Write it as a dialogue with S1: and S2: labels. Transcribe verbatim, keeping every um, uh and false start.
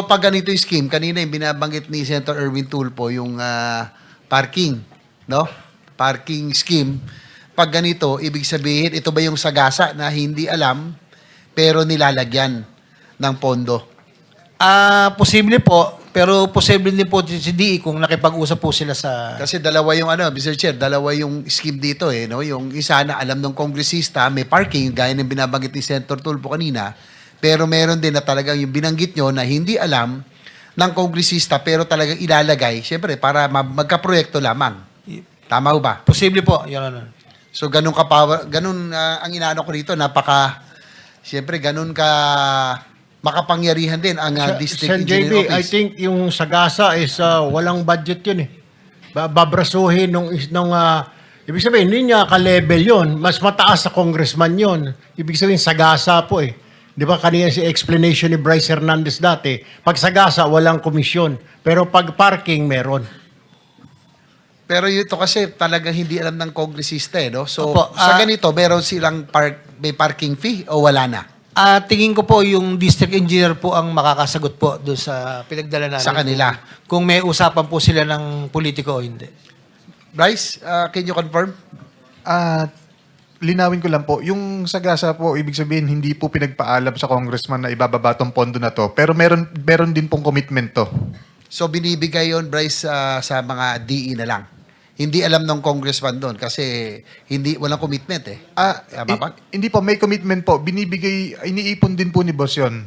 S1: So pag ganito yung scheme, kanina yung binabanggit ni Senator Erwin Tulfo, yung ah, parking, no? Parking scheme. Pag ganito, ibig sabihin, ito ba yung sagasa na hindi alam, pero nilalagyan ng pondo?
S2: Ah, posible po, pero posible din po si D E kung nakipag-usap po sila sa...
S1: Kasi dalawa yung ano, mister Chair, dalawa yung scheme dito eh, no? Yung isa na alam ng kongresista, may parking, gaya ng binabanggit ni Senator Tulfo kanina, pero meron din na talagang yung binanggit nyo na hindi alam ng kongresista, pero talagang ilalagay, syempre, para ma- magkaproyekto lamang. Tama ho ba?
S2: Posible po, Your Honor.
S1: So, ganun ka power, ganun ah, ang inaano ko rito, napaka, syempre, ganun ka makapangyarihan din ang ah, District
S3: Sen J
S1: Engineer
S3: B, I
S1: Office.
S3: think yung Sagasa is uh, walang budget yun eh. Ba- Babrasuhin nung, is- nung uh, ibig sabihin, hindi niya ka-level yun. Mas mataas sa congressman yun. Ibig sabihin, Sagasa po eh. Di ba kanina si explanation ni Bryce Hernandez dati, pag Sagasa, walang komisyon. Pero pag parking, meron.
S1: Pero ito kasi talagang hindi alam ng kongresista eh, no? So,
S2: Opo,
S1: sa
S2: ah,
S1: ganito, meron silang park, may parking fee o wala na?
S2: Ah, tingin ko po yung district engineer po ang makakasagot po doon sa pinagdala namin.
S1: Sa kanila.
S2: Kung, kung may usapan po sila ng politiko o hindi.
S1: Bryce, uh, can you confirm?
S4: Ah, linawin ko lang po, yung Sagasa po, ibig sabihin, hindi po pinagpaalam sa congressman na ibababa tong pondo na to. Pero meron, meron din pong commitment to.
S1: So, binibigay yon Bryce, ah, sa mga D E na lang. Hindi alam ng congressman doon kasi hindi walang commitment eh.
S4: Ah,
S1: Tama ba?
S4: hi- hindi po, may commitment po. Binibigay, iniipon din po ni boss yun.